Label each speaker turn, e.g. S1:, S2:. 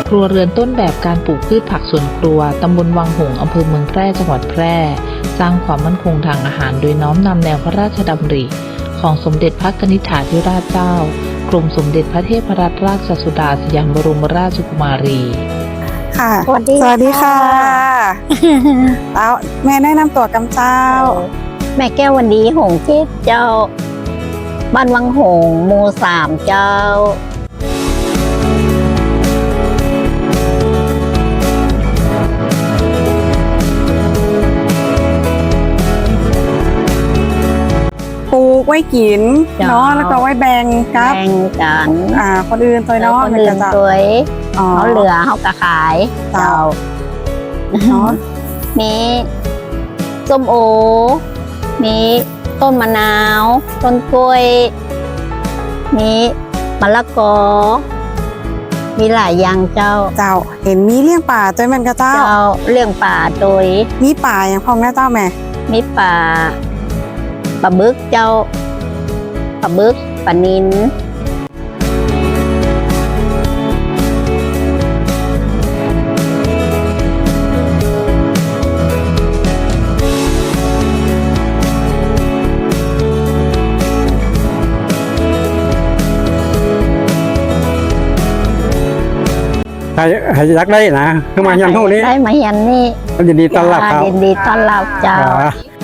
S1: ครัวเรือนต้นแบบการปลูกพืชผักสวนครัวตำบลวังหงส์อำเภอเมืองแพร่จังหวัดแพร่สร้างความมั่นคงทางอาหารโดยน้อมนำแนวพระราชดำริของสมเด็จพระกนิษฐาธิราชเจ้ากรมสมเด็จพระเทพรัตนราชสุดาสยามบรมราชกุมารี
S2: ค่ะ
S3: สวัสดี
S2: ค่ะ แล้วแม่แนะนำตัวกำเจ้า
S3: แม่แก้ววันดีหงทิพย์เจ้าบ้านวังหงส์หมู่3เจ้า
S2: ปลูกไว้กินเนาะแล้วก็ไว้แบ่งกับ
S3: แบ่งกัน
S2: คนอื่นตัวเนาะ
S3: คนอื่น
S2: จะ
S3: ตัว
S2: อ๋อ
S3: เขาเหลือเขาก็ขายเจ้า
S2: เนาะ
S3: มีส้มโอ มีต้นมะนาว ต้นกล้วย มีมะละกอ มีหลายอย่างเจ้า
S2: เจ้าเห็นมีเลี้ยงป่าตัวแม่นกะเจ้า
S3: เจ้าเลี้ยงป่าโดย
S2: มีป่าอย่างพองนะเจ้าแม่
S3: มีปลาบึกเจ้าปลาบึกปลานิล
S4: ให้ยักได้นะคือมายันเท่านี้
S3: ได้มายันนี่
S4: ยินดีต้อนรับครับ
S3: ยินดีต้อนรับเจ้า
S4: ครับ